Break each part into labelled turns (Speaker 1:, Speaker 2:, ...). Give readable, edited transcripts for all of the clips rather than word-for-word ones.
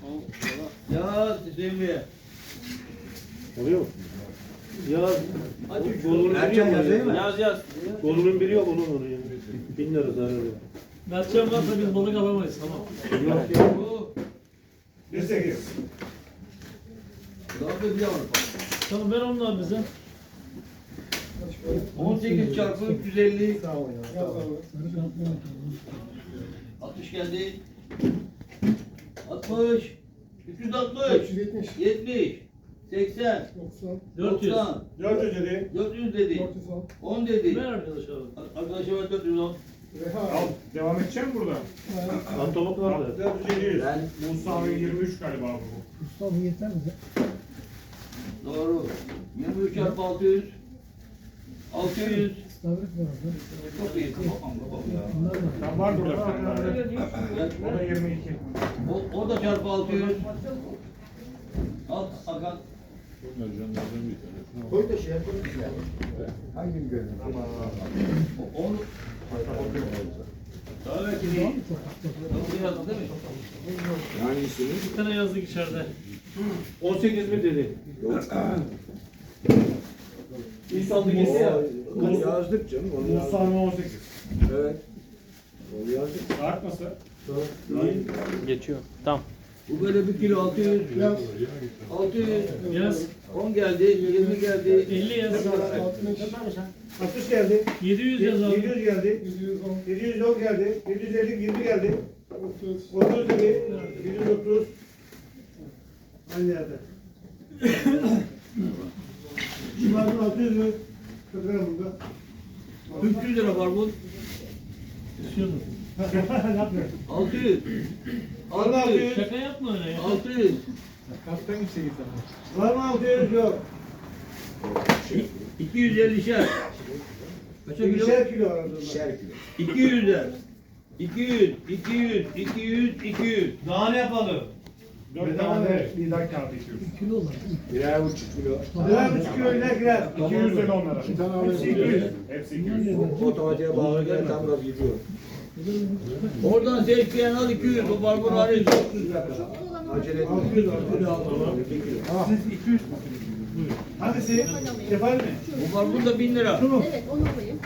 Speaker 1: Yaz Hüseyin.
Speaker 2: Oluyor mu? Yaz. Golünün biri
Speaker 3: Erken
Speaker 2: yok.
Speaker 3: yazayım mı?
Speaker 1: Yaz.
Speaker 2: Golünün biri yok onun oraya. 1000 lira zarar yok.
Speaker 4: Mertcan varsa biz balık alamayız tamam.
Speaker 2: Yok yok.
Speaker 5: 1.8.
Speaker 4: Tamam ver onlar bize.
Speaker 1: 18 çarpı 350. 60 geldi. 60. 360. 70. 80.
Speaker 4: 400.
Speaker 1: 90.
Speaker 5: 400 dedi.
Speaker 1: 400 dedi. 10 dedi.
Speaker 4: Ver arkadaşlar.
Speaker 1: Arkadaşlar var 410.
Speaker 5: Al. Devam edeceğim burada.
Speaker 2: Antolop var da.
Speaker 5: 400 700.
Speaker 3: Ben
Speaker 5: Musa abi 23 galiba bu.
Speaker 6: Mustafa yeter mi?
Speaker 1: Doğru. 23 çarpı 600. 600.
Speaker 6: İstavrit var orada.
Speaker 1: Çok iyi. Babam ya.
Speaker 6: Bunlar var.
Speaker 5: Tam var burada bir tane daha.
Speaker 1: Gel.
Speaker 5: O da 22.
Speaker 1: O da çarpı 600. Al Hakan.
Speaker 3: koy da şey yapalım. Hangi gördün?
Speaker 1: Onu. Daha belki değil. Bunu yazdın değil mi?
Speaker 3: Yani ismi?
Speaker 4: Bir tane yazdık içeride.
Speaker 2: 18 mi dedi? İnsanlık hissi ya.
Speaker 3: Onu yazdık canım. Onu yazdık.
Speaker 5: Musa abi 18.
Speaker 3: Evet. Onu yazdık.
Speaker 5: Saat nasıl?
Speaker 7: Geçiyor. Tamam.
Speaker 1: Bu böyle 1 kilo 600. 600.
Speaker 4: Yaz.
Speaker 1: 10 geldi. 20 geldi.
Speaker 4: 50 yaz.
Speaker 5: 60 geldi.
Speaker 4: 700 yaz abi.
Speaker 5: 700 geldi. 710 geldi. 750 20 geldi. 30 dedi. 730. Aynı yerde. Şimdi 600 mü? 40 lira burada.
Speaker 1: 300 lira var bu.
Speaker 4: İstiyordum.
Speaker 5: Ne yapıyor?
Speaker 1: 600.
Speaker 5: Vallahi 600.
Speaker 4: Şaka yapma öyle ya.
Speaker 1: 600.
Speaker 5: Var mı 600? Yok.
Speaker 1: 250'şer. Kaça kilo?
Speaker 5: 20'şer kilo var orada.
Speaker 3: İkişer kilo.
Speaker 1: 200'er. 200, 200, 200, 200.
Speaker 2: Daha ne yapalım?
Speaker 5: 4 tane bir dakika abi 200.
Speaker 6: Kilo var.
Speaker 3: Birer buçuk kilo.
Speaker 5: Birer buçuk kilo iler girer. 200 lira onlara. Hepsi 200. Hepsi 200.
Speaker 3: Otomatiğe bağlı tam gaz gidiyor.
Speaker 1: Oradan seçkiyen al 200. O barbun hariç.
Speaker 3: Acele etme.
Speaker 5: 600 var.
Speaker 3: 2 kilo.
Speaker 5: Hangisi? Kefal mi?
Speaker 1: Bu barbun da 1000 lira.
Speaker 8: Evet, onu alayım.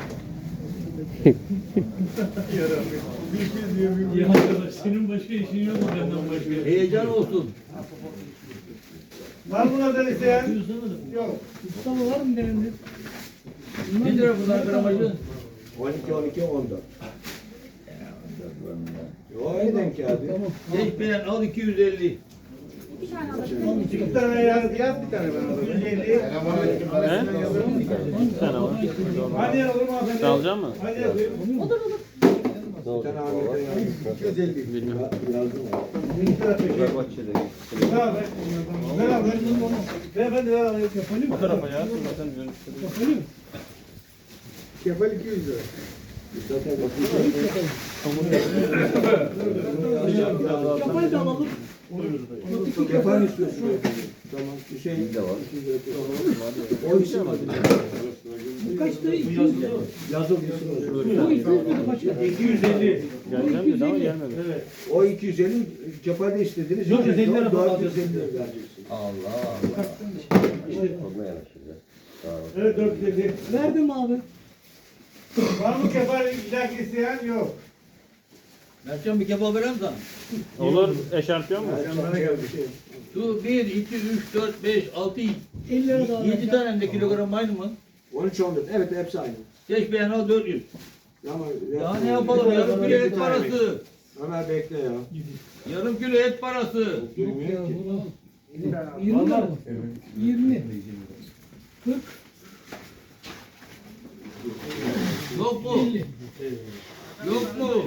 Speaker 4: Ya arkadaş senin başka işin yok mu benden başka?
Speaker 1: Heyecan olsun.
Speaker 5: Var mı bunlardan isteyen?
Speaker 4: 200 demedim.
Speaker 5: Yok.
Speaker 6: Mustafa var mı derinde?
Speaker 1: 1 lira bunlar gramajı.
Speaker 3: 12, 12, 14. O aynı denk geldi.
Speaker 1: Seçkiyen al 250.
Speaker 8: Bir tane alabilirim.
Speaker 5: 2 tane yaz bir tane ben alırım. 150.
Speaker 7: Bir tane var.
Speaker 5: Hadi yazalım hanımefendi.
Speaker 7: Sen alacak mısın?
Speaker 5: Hadi yazayım.
Speaker 8: Olur olur.
Speaker 3: Bir tane Ahmet'e yazdım. 250.
Speaker 7: Bilmiyorum.
Speaker 3: Yazdım.
Speaker 5: 1 lira peki. Ne haber? Ne haber? Beyefendi ver alayım.
Speaker 7: Bu tarafa ya. Zaten dönüştürüyor.
Speaker 3: Kefal 200 lira. Zaten
Speaker 6: Kafayı da alalım.
Speaker 3: kefal istiyorsun. Tamam. Hüseyin de var. O isim adı.
Speaker 6: Bu kaç lira? 200 lira.
Speaker 3: Yazılmışsın.
Speaker 6: Bu 200 lira kaç lira?
Speaker 5: 250.
Speaker 7: Geleceğim dedi ama gelmedi.
Speaker 5: Evet.
Speaker 3: O 250 kefal de istediniz.
Speaker 2: 450 lira falan
Speaker 3: 450 lira vereceksin.
Speaker 5: Evet 450.
Speaker 6: Verdim abi.
Speaker 5: Var mı kefal ilaki isteyen? Yok.
Speaker 1: Mertcan bir kebap verem sana.
Speaker 7: Olur. Eşarpiyon mu?
Speaker 3: Bana geldi şey.
Speaker 1: Şu 1, 2, 3, 4, 5, 6,
Speaker 6: 50 lira daha
Speaker 1: 7 tane de kilogram aynı mı?
Speaker 3: 13 14. Evet hepsi aynı.
Speaker 1: Seçkiyen al 400.
Speaker 3: Ama
Speaker 1: Ya ne yapalım? Yarım kilo et parası.
Speaker 3: Ömer bekle ya.
Speaker 1: Yarım kilo et parası.
Speaker 6: 20 lira mı? 20. 40.
Speaker 1: Yok mu? Yok mu?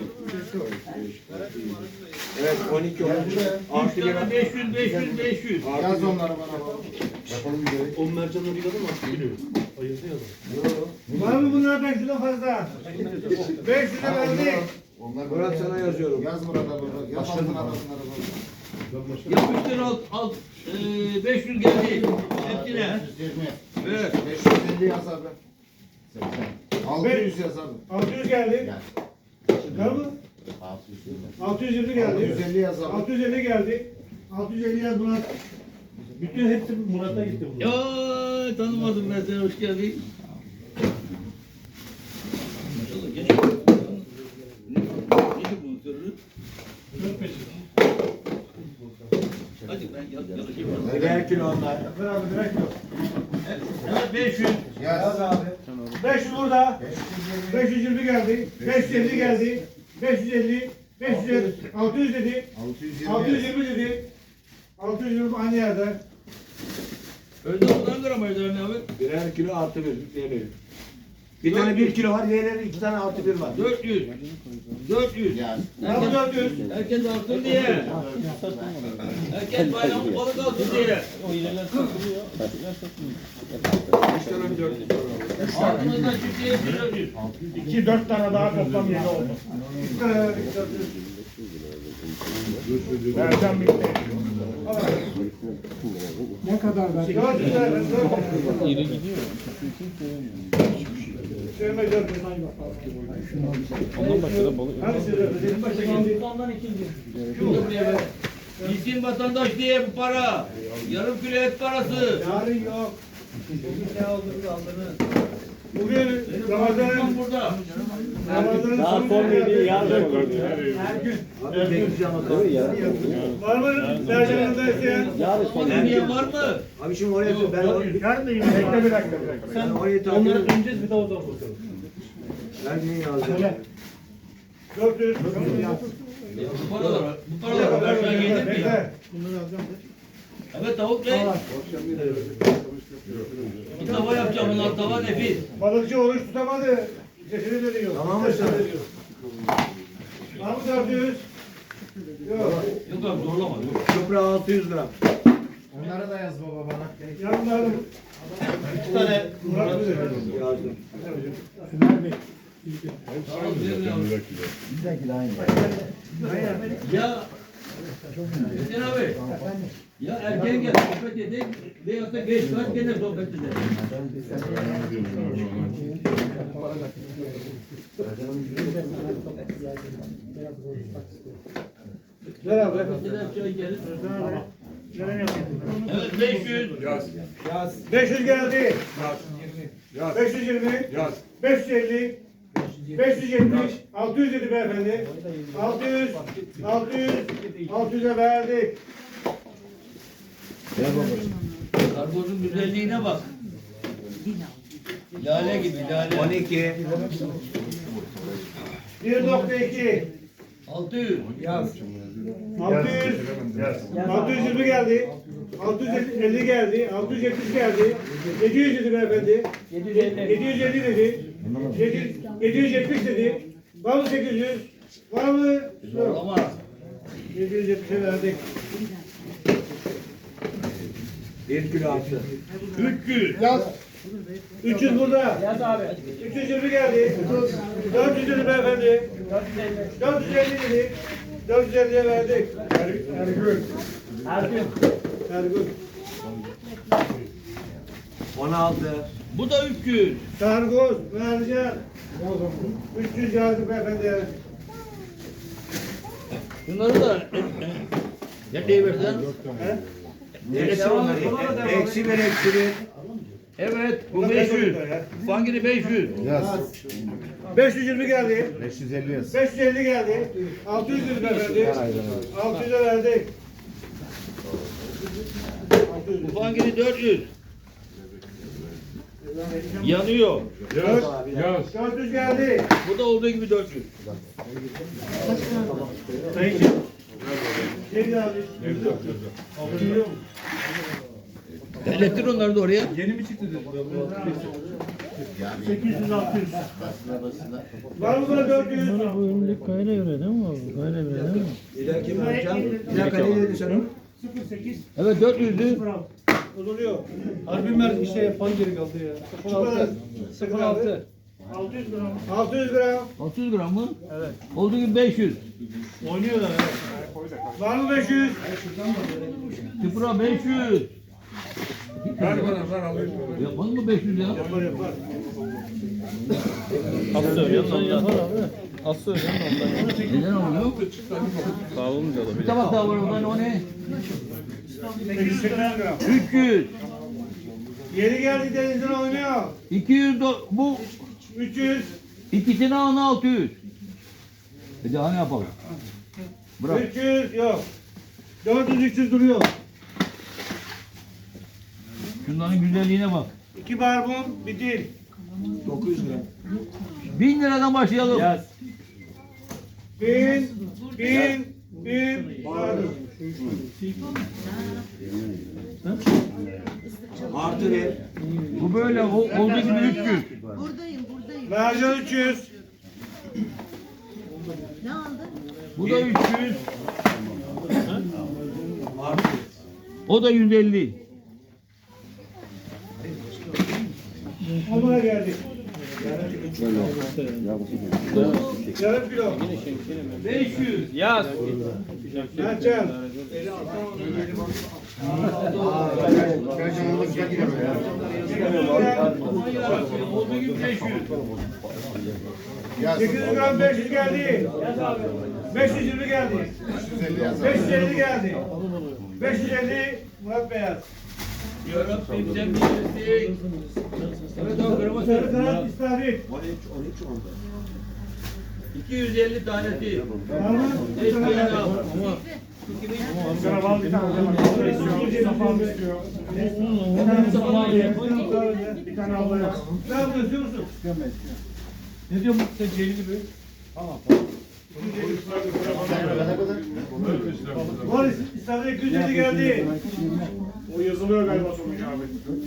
Speaker 3: Evet 12 13.
Speaker 1: 3
Speaker 3: Artı bir.
Speaker 1: tane 500, 500, 500.
Speaker 3: Yaz onları
Speaker 2: O mercanları yıkadı mı? Biliyorum. Ayırdı ya da.
Speaker 5: Var mı bunlardan şuradan fazla? 500 lira verdik.
Speaker 3: Murat sana yazıyorum.
Speaker 9: Yaz burada burada. Yaz altına arasına
Speaker 1: Yapıştır al 500 geldi. Hepsine.
Speaker 9: 120.
Speaker 1: Evet.
Speaker 9: 550 yaz abi. 80. 600 yaz abi.
Speaker 5: 600 geldi.
Speaker 9: Gel.
Speaker 5: Var mı? 620 geldi.
Speaker 9: 650 yaz abi.
Speaker 5: 650 geldi. 650 yaz Murat.
Speaker 2: Bütün hepsi Murat'a gitti bu.
Speaker 1: Ya tanımadım ben seni, hoş geldin. Maşallah geç. Neydi bunun sırrı?
Speaker 4: Çok peşin.
Speaker 1: Hadi ben yalaşayım.
Speaker 3: Birer kilo onlar.
Speaker 5: Ver abi direkt yok.
Speaker 1: Evet 500.
Speaker 9: Yaz.
Speaker 5: abi. 500 burada. 520 geldi. 550 geldi. 550. 550. 600 dedi.
Speaker 9: 620.
Speaker 5: 620 dedi. 620 aynı yerde.
Speaker 1: Önde ondan gramajlar ne abi?
Speaker 3: Birer kilo artı bir diyelim. Bir tane 1 kilo var, diğerleri 2 tane artı 1 var.
Speaker 1: 400. 400.
Speaker 9: Yaz.
Speaker 5: Abi 400.
Speaker 1: Herkes altın diye. Herkes bayramın balık altın diye.
Speaker 7: O ilerler satılıyor. Küçükler satılıyor.
Speaker 3: 3 tane mi 4
Speaker 1: Altımızdan çiftliğe 400.
Speaker 2: 2-4 tane daha toplam 7 oldu.
Speaker 5: 3 tane verdik. 400.
Speaker 2: Ercan bitti.
Speaker 6: Ne kadar ben?
Speaker 5: 400 ver. 400.
Speaker 7: İri gidiyor.
Speaker 5: Sevme 400.
Speaker 7: Ondan başka da balık.
Speaker 5: Hadi size benim başta geldi.
Speaker 6: Ondan ikinci.
Speaker 1: Şurada buraya ver. Bilsin vatandaş diye bu para. Yarım kilo et parası.
Speaker 5: Yarın yok.
Speaker 1: Ne aldınız aldınız.
Speaker 5: Bugün Ramazan'ın
Speaker 1: Burada.
Speaker 5: Ramazan'ın son günü
Speaker 3: yarın
Speaker 5: her gün.
Speaker 3: Abi bekleyeceğim bakalım ya.
Speaker 5: Var mı? Sercan'da isteyen?
Speaker 1: Niye var mı?
Speaker 3: Abi şimdi oraya ben
Speaker 2: Yarın da yine. Bekle bir dakika.
Speaker 3: ben orayı takip
Speaker 2: Onları
Speaker 3: edeyim.
Speaker 2: döneceğiz bir daha oradan bakalım.
Speaker 3: Ben neyi yazacağım?
Speaker 5: 400.
Speaker 1: Bu paralar aşağı gelir mi?
Speaker 5: Bekle.
Speaker 1: Evet tavuk ne? Bir tava yapacağım bunlar, tava nefis.
Speaker 5: Balıkçı oruç tutamadı. Sesini de diyor.
Speaker 3: Tamam mı sen?
Speaker 5: Var mı 400? Yok.
Speaker 1: Yok abi zorlama. Yok.
Speaker 3: Çupra 600 gram.
Speaker 9: Onları da yaz baba bana.
Speaker 5: Yanlarım.
Speaker 2: 2 tane
Speaker 5: Murat bilir.
Speaker 3: Yazdım.
Speaker 1: Ya Hüseyin abi. Ya erken gel sohbet edelim. Veyahut da geç saat gene sohbet edelim.
Speaker 5: Ver abi.
Speaker 1: Mesela çay gelir. Evet 500.
Speaker 5: 500 geldi. 520. 550. 570. 600 dedi beyefendi. 600. 600'e verdik.
Speaker 1: Karpuzun güzelliğine bak. Lale gibi lale.
Speaker 3: 12.
Speaker 5: 1.2.
Speaker 1: 600.
Speaker 5: 600. 620 geldi. 650 geldi. 670 geldi. 700 dedi beyefendi. 750 dedi. 770 dedi. Var mı 800? Var mı? Yok.
Speaker 1: Zorlama.
Speaker 5: 770'e verdik.
Speaker 3: 1 kilo artı.
Speaker 1: 300.
Speaker 5: 300 burada.
Speaker 6: Yaz abi.
Speaker 5: 320 geldi. 400 dedi beyefendi. 450 dedi. 450'ye verdik. Ergün. Ergün.
Speaker 3: 16.
Speaker 1: Bu da 300.
Speaker 5: Sargoz, mercan. 300 geldi beyefendi.
Speaker 1: Bunları da ne diye versen?
Speaker 3: Eksi onları. Eksi 1 eksi 1.
Speaker 1: Evet bu 500. Fangiri 500.
Speaker 9: Yaz.
Speaker 5: 520 geldi.
Speaker 9: 550 yaz.
Speaker 5: 550 geldi. 600 dedi beyefendi. 600'e verdik.
Speaker 1: Bu fangiri 400. Yanıyor.
Speaker 5: 400 geldi.
Speaker 1: Bu da olduğu gibi 400.
Speaker 5: Sayın. Şey abi.
Speaker 1: Elektrik onları da oraya.
Speaker 2: Yeni mi çıktı dedi?
Speaker 5: 800-600. Var mı buna 400?
Speaker 4: Bu önlük kayla göre değil mi abi? Kayla göre değil mi?
Speaker 3: İleriki mercan. Bir dakika ne dedin sen onu?
Speaker 5: 08.
Speaker 1: Evet 400'dü.
Speaker 5: Uzuluyor.
Speaker 2: Harbi mer işte fan geri kaldı ya.
Speaker 5: 06. 600 gram. 600 gram.
Speaker 1: 600 gram mı? Evet. Olduğu gibi 500.
Speaker 2: Oynuyorlar evet.
Speaker 5: Var mı 500?
Speaker 1: Tıpra 500.
Speaker 2: Ver bana ver alayım.
Speaker 1: Yapmaz mı 500 ya?
Speaker 5: Yapar yapar.
Speaker 7: Kapı söylüyorsun
Speaker 4: Yapar
Speaker 7: ondan.
Speaker 4: abi.
Speaker 7: Az söylüyorum ondan.
Speaker 1: Neden olmuyor?
Speaker 7: Sağolunca da
Speaker 1: Bir
Speaker 7: bile.
Speaker 1: tabak daha var oradan o ne?
Speaker 5: 880 gram.
Speaker 1: 300.
Speaker 5: Yeni geldi denizden oynuyor.
Speaker 1: 200 bu
Speaker 5: 300.
Speaker 1: ikisini alın 600. Daha ne yapalım? Bırak.
Speaker 5: 300 yok. 400-300 duruyor.
Speaker 1: Şunların güzelliğine bak.
Speaker 5: 2 barbun bir dil.
Speaker 3: 900 lira.
Speaker 1: 1000 liradan başlayalım.
Speaker 3: Yaz.
Speaker 5: 1000 pardon.
Speaker 3: Artı ver.
Speaker 1: Bu böyle olduğu gibi 300.
Speaker 5: Mercan 300.
Speaker 1: Bu da 300. O da 150.
Speaker 5: Hamura geldik. Yarım kilo.
Speaker 1: 500.
Speaker 7: Yaz.
Speaker 5: Mercan.
Speaker 1: Olduğu gibi 500.
Speaker 5: 800 gram 500 geldi. 520 geldi. 550 geldi. 550 Murat Beyaz.
Speaker 1: Yarabbim sen bilirsin. Evet o kırma
Speaker 5: Sarı
Speaker 1: sarı.
Speaker 5: kanat istavrit.
Speaker 1: 250 tanesi.
Speaker 5: Var mı?
Speaker 1: Eşkıya al.
Speaker 5: Sana bal bir tane. Bir tane al. Ne yapıyorsun musun?
Speaker 1: Ne diyor sen Celil gibi?
Speaker 5: Var istavrit 250 geldi.
Speaker 2: O yazılıyor galiba sonuç abi.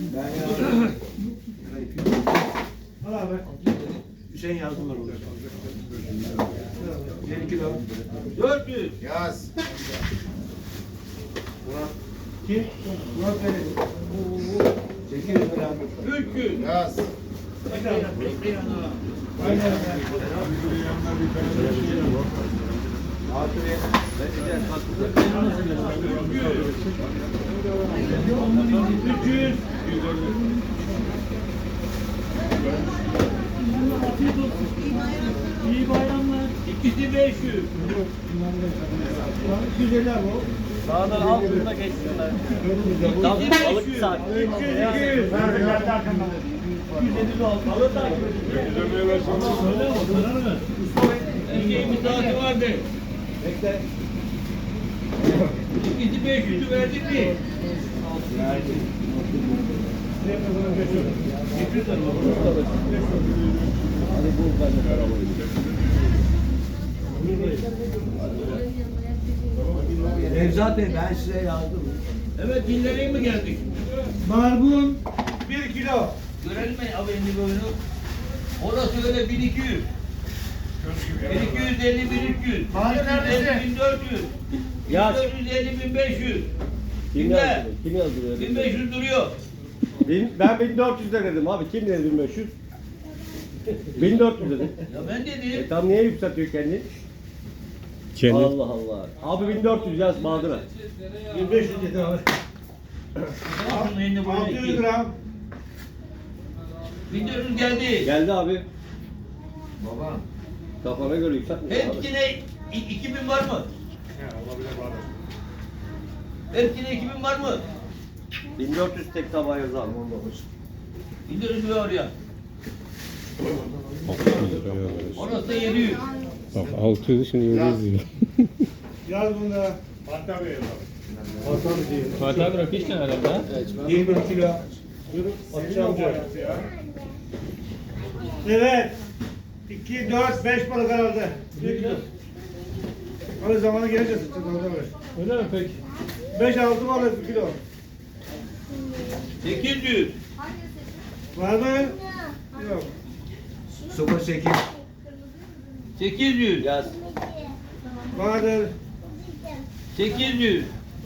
Speaker 5: Al abi.
Speaker 3: Hüseyin yazdılar orada. 1 kilo.
Speaker 1: 400.
Speaker 9: Yaz.
Speaker 5: Kim? Murat Bey.
Speaker 3: 800 lira.
Speaker 1: 300.
Speaker 9: Yaz.
Speaker 3: Artı ver. Vereceğiz.
Speaker 5: 300.
Speaker 6: İyi bayramlar.
Speaker 1: İkisi 500.
Speaker 5: 250 abi o.
Speaker 7: Sağdan altında geçsinler.
Speaker 1: İkisi
Speaker 7: Balık
Speaker 1: 500.
Speaker 7: saat.
Speaker 5: 300. 200.
Speaker 1: Her şeyin bir saati vardı.
Speaker 3: Bekle.
Speaker 1: İkisi 500'ü verdik mi?
Speaker 3: Nevzat Bey ben size yazdım.
Speaker 1: Evet dinlemeye mi geldik?
Speaker 5: Barbun 1 kilo.
Speaker 1: Görelim mi abi indi boyunu? Orası öyle 1200. 1250 1300.
Speaker 5: Hadi neredesin?
Speaker 1: 1400.
Speaker 7: Yaz.
Speaker 1: 1450 1500.
Speaker 7: Kim
Speaker 1: Kimde?
Speaker 7: yazdı? Kim yazdı?
Speaker 1: 1500 duruyor.
Speaker 7: Ben 1400 dedim abi. Kim dedi 1500? 1400 dedim.
Speaker 1: Ya ben dedim.
Speaker 7: Tam niye yükseltiyor kendini? Allah Allah. Abi 1400 yaz Bahadır'a.
Speaker 5: 1500 dedi abi.
Speaker 1: Şunun elini boyunu
Speaker 5: 600
Speaker 1: 2.
Speaker 5: gram.
Speaker 1: 1400 geldi.
Speaker 7: Geldi abi. Baba. Kafana göre yükseltme.
Speaker 1: Hepsine 2000 var mı? Hepsine 2000 var mı?
Speaker 7: 1400 tek tabağa yaz abi.
Speaker 1: 1400 var oraya. Orası da 700.
Speaker 10: Bak 600 şimdi 700 lira.
Speaker 5: Yaz bunda.
Speaker 7: Fatih abi rakı işte herhalde.
Speaker 3: 21 kilo.
Speaker 5: Evet. 2, 4, 5 balık herhalde. 1 kilo. Öyle zamanı gelince sıçacağız orada böyle.
Speaker 6: Öyle mi peki?
Speaker 5: 5-6 balık 1 kilo.
Speaker 1: 800.
Speaker 5: Var mı? Yok.
Speaker 3: 08.
Speaker 1: 800.
Speaker 7: Yaz.
Speaker 5: Vardır.
Speaker 1: 800.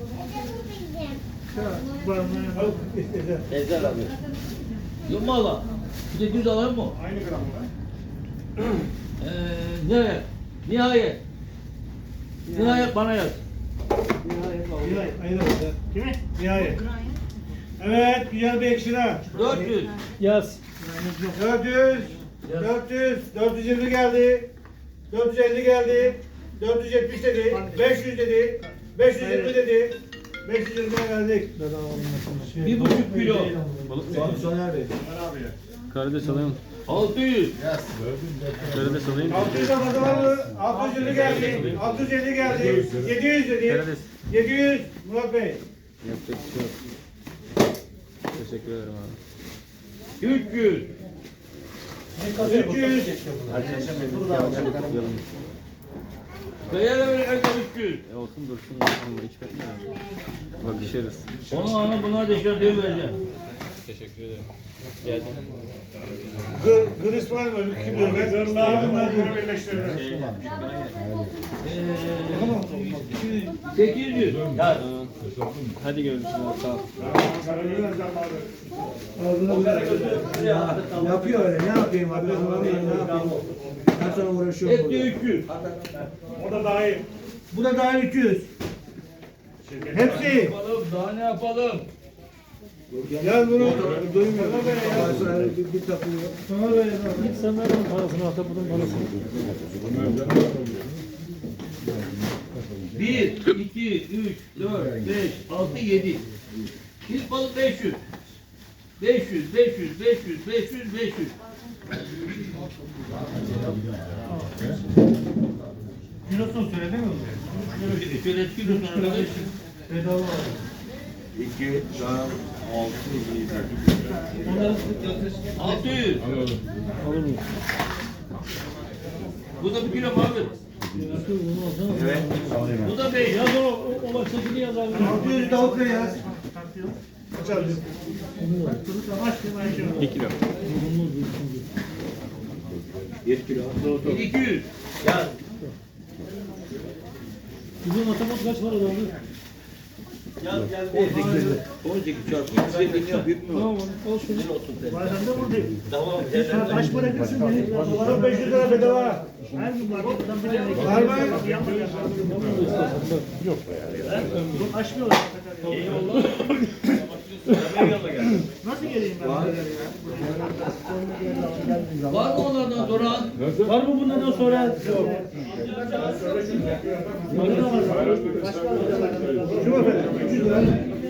Speaker 5: Var mı?
Speaker 7: Ezel abi.
Speaker 1: Yok mu Allah? 800 alalım mı?
Speaker 5: Aynı gram mı?
Speaker 1: Ne? Nihayet. Nihayet bana yaz.
Speaker 5: Nihayet. Aynı gram. Kimi? Nihayet. Evet, güzel bir ekşira.
Speaker 1: 400.
Speaker 6: Yaz.
Speaker 5: 400. 400. 420 geldi. 450 geldi. 470 dedi. 500 dedi. 520 dedi. 520'ye geldik.
Speaker 1: 1,5 kilo.
Speaker 3: Soner Bey.
Speaker 7: Karides alayım.
Speaker 1: 600.
Speaker 7: Karides alayım.
Speaker 5: 600'e fazla var mı? 650 geldi. 650 geldi. 700 dedi.
Speaker 7: Karides.
Speaker 5: 700 Murat Bey.
Speaker 7: Yapacak bir şey yok. Teşekkür ederim abi.
Speaker 1: 300.
Speaker 5: 300.
Speaker 1: Kıyada böyle evde 300.
Speaker 7: Olsun dursun. Ama hiç bekle. Bakışırız.
Speaker 1: Ona buna da şöyle vereceğim.
Speaker 7: Teşekkür ederim. Geldim.
Speaker 5: Gırıs var mı? Kim diyor? Gırlar bunlar birleştirirler.
Speaker 1: 800.
Speaker 7: Ya. Hadi görüşürüz. Sağ ol.
Speaker 3: Yapıyor öyle. Ne yapayım abi? Ben ne yapayım? Ben sana uğraşıyorum
Speaker 1: Etti
Speaker 3: burada.
Speaker 1: 300.
Speaker 5: O da dahil. Bu da dahil 300. Hepsi.
Speaker 1: Yapalım, daha ne yapalım?
Speaker 5: Gel bunu.
Speaker 3: Duymuyor. Ben sana bir takılıyor.
Speaker 4: Git sen ver onun parasını, hatta bunun parasını.
Speaker 1: 1, 2, 3, 4, 5, 6, 7. İlk balık 500. 500, 500, 500, 500, 500.
Speaker 5: Kilosunu söyledin mi?
Speaker 1: Şöyle kilosunu arkadaş.
Speaker 3: 2,
Speaker 1: 600.
Speaker 4: Alır mıyım?
Speaker 1: Bu da 1 kilo abi.
Speaker 3: Evet.
Speaker 1: Bu da 5.
Speaker 4: Yaz o baştakini yaz abi.
Speaker 5: 600 tavuk ne ya?
Speaker 7: 2 kilo.
Speaker 3: 1 kilo.
Speaker 1: 200.
Speaker 4: Bizim matematik kaç para oldu?
Speaker 3: 18 çarpı 150 büyük mü?
Speaker 4: Tamam, al şunu.
Speaker 5: Bazen de buradayım. Kaç para edersin beni? Bana 500 lira bedava. Her gün marketten bir tane. Var mı? Yok be ya. Açmıyorlar. Nasıl geleyim ben?
Speaker 1: Var mı onlardan soran?
Speaker 4: Var mı bundan sonra? Yok.
Speaker 5: Şu mu efendim? 300 lira.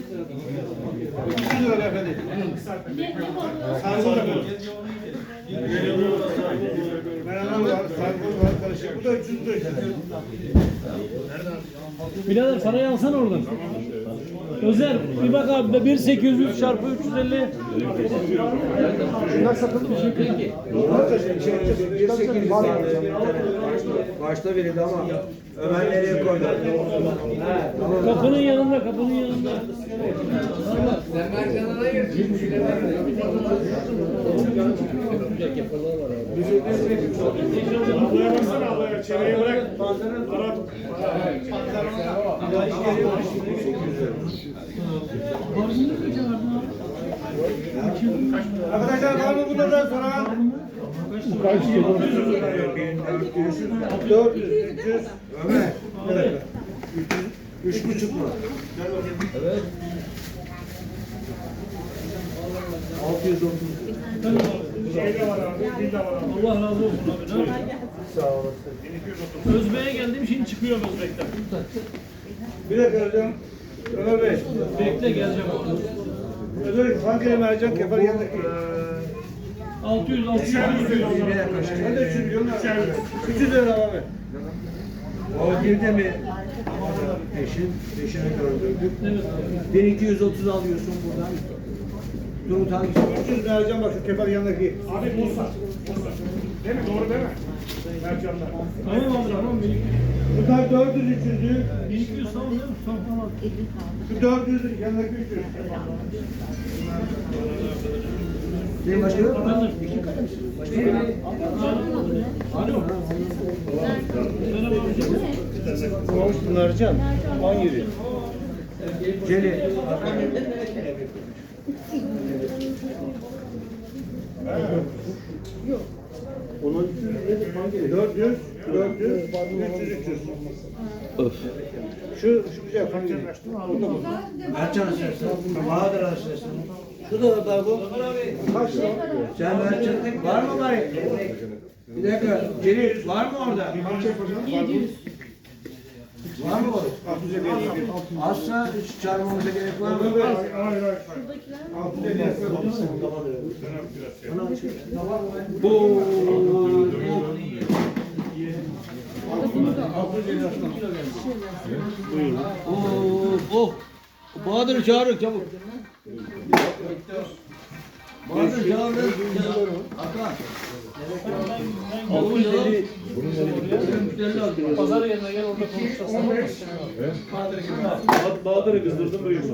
Speaker 5: 300 lira efendim. Sargol efendim. Menemen var, sargol var, karışık. Bu da 300 lira.
Speaker 4: Birader parayı alsana oradan. Özer bir bak abi 1800 çarpı 350.
Speaker 5: Şunlar satıldı mı?
Speaker 3: Başta verildi ama Ömer nereye koydu?
Speaker 4: Kapının yanında, kapının yanında.
Speaker 5: Ablaya baksana ablaya. Çevreye bırak. Arap. Arkadaşlar var mı bunlardan sonra?
Speaker 3: Kaç kilo?
Speaker 5: 400, 300.
Speaker 3: Ömer. 3,5 mu?
Speaker 1: Evet.
Speaker 3: 630.
Speaker 5: Şey de var abi, dil de var abi.
Speaker 4: Allah razı olsun abi. Ne?
Speaker 3: Sağ olasın.
Speaker 4: Özbe'ye geldim şimdi çıkıyorum Özbek'ten.
Speaker 5: Bir dakika hocam. Ömer Bey.
Speaker 4: Bekle geleceğim abi.
Speaker 5: Ömer hangi mercan kefal yanındaki?
Speaker 4: 600 600.
Speaker 5: Ben de 300 milyon. 300 lira abi.
Speaker 3: O girdi mi? Peşini gördürdük. Evet. 1230 alıyorsun buradan. Turut hangisi?
Speaker 5: 300 mercan bak şu kefal yanındaki. Abi Musa. Değil mi? Doğru değil mi? Mercanlar.
Speaker 4: Tamam abi tamam.
Speaker 5: Bunlar 400 300'lü.
Speaker 4: 1200 tamam değil mi? Tamam.
Speaker 5: Şu 400 yanındaki 300.
Speaker 3: Senin başka yok mu?
Speaker 4: Alo.
Speaker 3: Mercan. 17. Celil. Onun
Speaker 5: 400, 400, 300, 300. Şu güzel hangi?
Speaker 3: Mercan açarsın. Bahadır açarsın. Şu da bu.
Speaker 5: Kaç lira?
Speaker 3: Sen Mercan var mı bari? Bir dakika. Celil var mı orada?
Speaker 8: 700.
Speaker 3: Var mı orada? Azsa hiç çağırmamıza gerek var mı?
Speaker 8: Şuradakiler
Speaker 1: Oh. Bahadır'ı çağırın çabuk. Bahadır'ı çağırın. Hakan.
Speaker 4: Pazar yerine gel orada konuşacağız.
Speaker 2: Bahadır'ı kızdırdım böyle.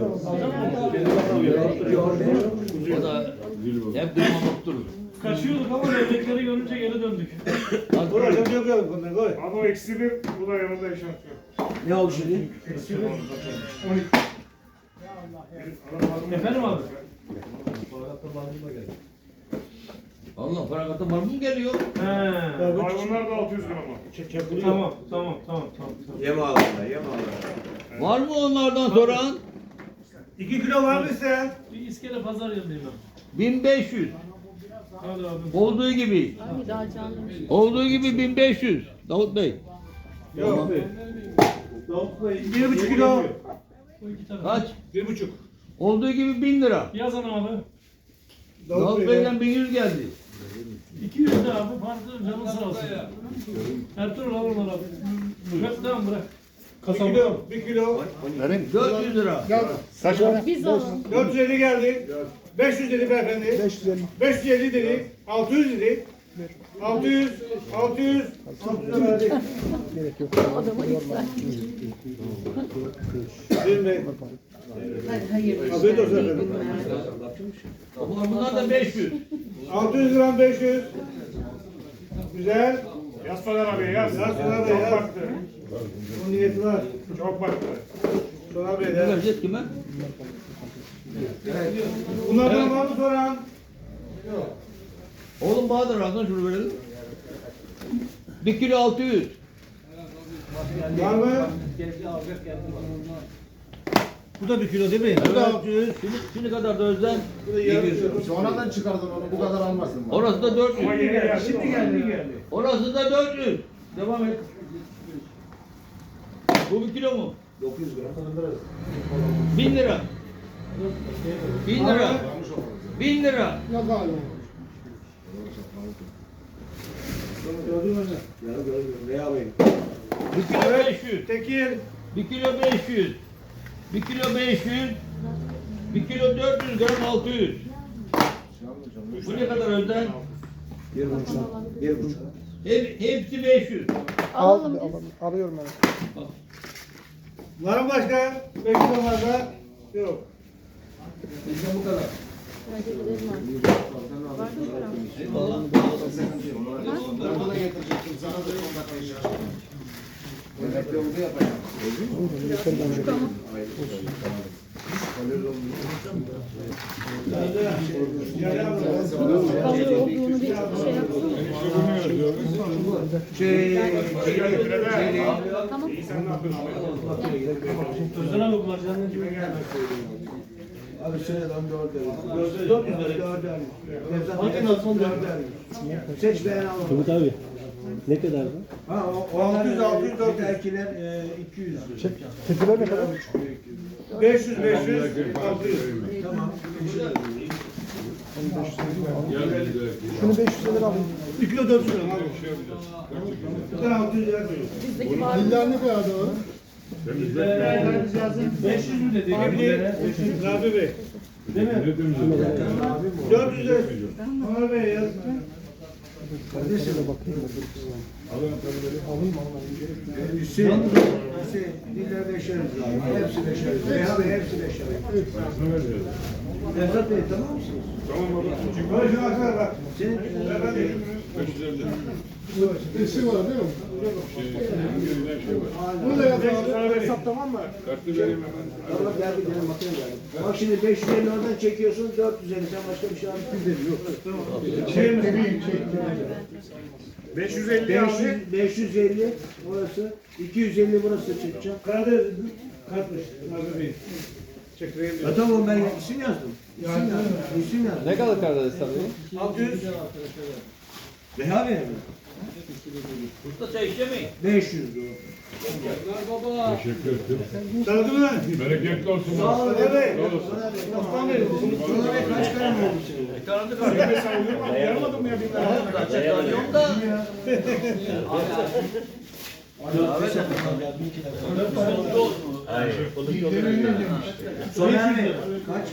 Speaker 1: O da hep durmamak durur.
Speaker 4: Kaçıyorduk ama levrekleri görünce geri döndük.
Speaker 5: Abi o eksi bir, bu da yanında yaşatıyor.
Speaker 3: Ne oldu şimdi?
Speaker 4: Efendim abi?
Speaker 1: Allah parakata var mı geliyor?
Speaker 4: He.
Speaker 5: Hayvanlar da 600 lira ama.
Speaker 4: Tamam.
Speaker 3: Yem ağlarına, yem ağlarına.
Speaker 1: Var mı onlardan soran?
Speaker 5: 2 kilo var mı sen?
Speaker 4: Bir iskele pazar yerindeyim ben.
Speaker 1: 1500.
Speaker 4: Hadi abi.
Speaker 1: Olduğu gibi.
Speaker 8: Ay daha canlımış.
Speaker 1: Olduğu gibi 1500. Davut Bey.
Speaker 5: Yok.
Speaker 2: Davut Bey.
Speaker 5: 1,5 kilo.
Speaker 4: Bu iki tane.
Speaker 1: Kaç?
Speaker 5: 1,5.
Speaker 1: Olduğu gibi 1000 lira.
Speaker 4: Yazın abi.
Speaker 1: Davut Bey'den 1100 geldi.
Speaker 4: 200 de abi. Farklı canın sağ olsun. Ertuğrul al onları abi. Bırak tamam bırak.
Speaker 5: 1 kilo.
Speaker 1: 400 lira.
Speaker 8: Biz alalım.
Speaker 5: 450 geldi. 500 dedi beyefendi. 550. 550 dedi. 600 dedi. 600 600 verdik.
Speaker 8: Adama yükseltti.
Speaker 5: Değil mi?
Speaker 8: Hayır.
Speaker 5: Afiyet olsun efendim.
Speaker 1: Bunlar da 500.
Speaker 5: 600 gram 500. Güzel. Yaz Soner abi yaz. Yaz Soner Bey yaz. Baktı. Onun niyeti var. Çok baktı. Soner Bey
Speaker 1: Ne
Speaker 5: yaz.
Speaker 1: vereceğiz kime?
Speaker 5: Bunlardan var mı soran?
Speaker 1: Oğlum Bahadır ağzına şunu verelim. 1 kilo 600.
Speaker 5: Var mı?
Speaker 3: Bu da 1 kilo değil mi?
Speaker 1: Bu da 600. Şimdi kadar da Özden.
Speaker 9: Sonradan çıkardın onu, bu kadar almasın.
Speaker 1: Orası da 400.
Speaker 5: Ama yeni geldi.
Speaker 3: Şimdi geldi.
Speaker 1: Orası da 400. Devam et. Bu 1 kilo mu?
Speaker 3: 900 gram.
Speaker 1: 1000 lira. 1000 lira. 1000 lira.
Speaker 5: Gördün mü?
Speaker 3: Ya gördüm. Veya Bey.
Speaker 1: 1 kilo 500.
Speaker 5: Tekir.
Speaker 1: 1 kilo 500. 1 kilo 500. 1 kilo 400 gram 600. Bu ne kadar Özden?
Speaker 3: 1,5.
Speaker 1: Hepsi 500.
Speaker 8: Alalım biz.
Speaker 5: Var mı başka? 5 kilo var da. Yok.
Speaker 1: Bizde bu kadar.
Speaker 8: Hadi gidelim artık. Var mı param?
Speaker 1: Eyvallah.
Speaker 9: Ben bunu getirecektim, sana da 10 dakika iş yapacağım. Demek yolda yapacağım.
Speaker 8: Hazır olduğunu bir şey yapsın. Tamam.
Speaker 4: Özden abi bunlar canlı gibi.
Speaker 3: Abi seneden 4 Seç beğen alalım.
Speaker 2: Davut abi. Ne kadar bu?
Speaker 3: Ha o 600 600 4 erkiler 200.
Speaker 2: Tepeler ne kadar?
Speaker 5: 500 500 600.
Speaker 3: Tamam.
Speaker 2: Şunu 500 lira alayım.
Speaker 5: 1 kilo 400 lira. Bir tane 600 lira koyuyor.
Speaker 8: Bizdeki var.
Speaker 2: Diller ne kadar da var?
Speaker 4: 500 mü dedi?
Speaker 5: Rabi Bey.
Speaker 4: Değil mi?
Speaker 5: 400 lira. Soner Bey yaz.
Speaker 3: Hüseyin diller 5'er abi. Hepsi 5'er. Veya Bey hepsi 5'er. Nevzat Bey tamam mısınız?
Speaker 5: Böyle şuna kadar bak.
Speaker 3: Senin
Speaker 2: Eşi var değil mi?
Speaker 5: Bunu da yaz abi. Hesap tamam mı?
Speaker 3: Tamam geldi benim makine geldi. Bak şimdi 550 oradan çekiyorsun 450 sen başka bir şey alıyorsun. Yok.
Speaker 5: Şeyimiz büyük. 550 abi.
Speaker 3: 550 orası 250 burası çekeceğim.
Speaker 5: Karadeniz katmış. Rabi Bey. Çekireyim diyor.
Speaker 3: Tamam ben isim yazdım. İsim yazdım.
Speaker 7: Ne kadar Karadeniz tabii?
Speaker 5: 600.
Speaker 3: Reha Bey mi?
Speaker 1: Usta çay içemeyin.
Speaker 3: 500 lira.
Speaker 5: Tanıdın mı?
Speaker 2: Bereketli olsun.
Speaker 3: Sağ ol evet. Osman Bey, Osman Bey kaç kalem oldu senin?
Speaker 1: Tanıdık
Speaker 5: Sen de sayılır mı? Yaramadım mı ya bir tane?
Speaker 1: Kaçak tanıyorum da.
Speaker 3: Soner Bey, kaç